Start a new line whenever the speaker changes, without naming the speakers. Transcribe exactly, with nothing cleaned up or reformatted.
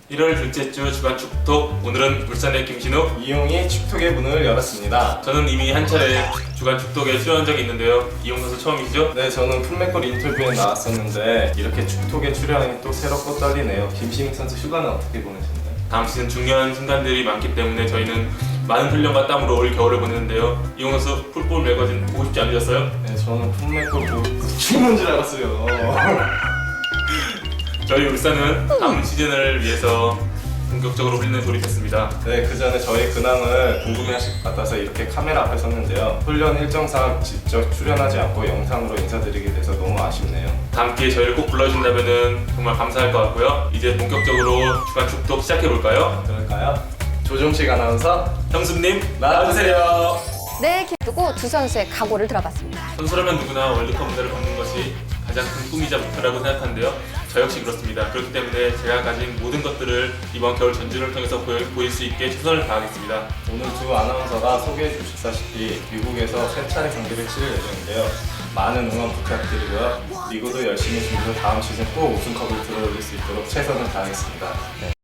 일월 둘째 주 주간 축톡. 오늘은 울산의 김신욱,
이용이 축톡의 문을 열었습니다.
저는 이미 한 차례 주간 축톡에 출연한 적이 있는데요. 이용 선수 처음이시죠?
네, 저는 풀맥골 인터뷰에 나왔었는데 이렇게 축톡에 출연하니 또 새롭고 떨리네요. 김신욱 선수 휴가는 어떻게 보내셨나요?
다음 시즌 중요한 순간들이 많기 때문에 저희는 많은 훈련과 땀으로 올 겨울을 보내는데요. 이용 선수 풀볼 매거진 보고 싶지 않으셨어요?
네, 저는 풀맥골 보고 죽는 줄 알았어요.
저희 울산은 다음 시즌을 위해서 본격적으로 훈련에 돌입했습니다.
네, 그 전에 저희 근황을 궁금해하실 것 같아서 이렇게 카메라 앞에 섰는데요. 훈련 일정상 직접 출연하지 않고 영상으로 인사드리게 돼서 너무 아쉽네요.
다음 기회에 저희를 꼭 불러주신다면 정말 감사할 것 같고요. 이제 본격적으로 주간 축톡 시작해볼까요?
그럴까요? 조종식 아나운서
형수님
나와주세요.
네, 두고 두 선수의 각오를 들어봤습니다.
선수라면 누구나 월드컵 무대를 받는 것이 가장 큰 꿈이자 목표라고 생각하는데요. 저 역시 그렇습니다. 그렇기 때문에 제가 가진 모든 것들을 이번 겨울 전준을 통해서 보여, 보일 수 있게 최선을 다하겠습니다.
오늘 두 아나운서가 소개해 주셨다시피 미국에서 세 차례 경기를 치를 예정인데요. 많은 응원 부탁드리고요. 리그도 열심히 준비해서 다음 시즌 꼭 우승컵을 들어올릴 수 있도록 최선을 다하겠습니다.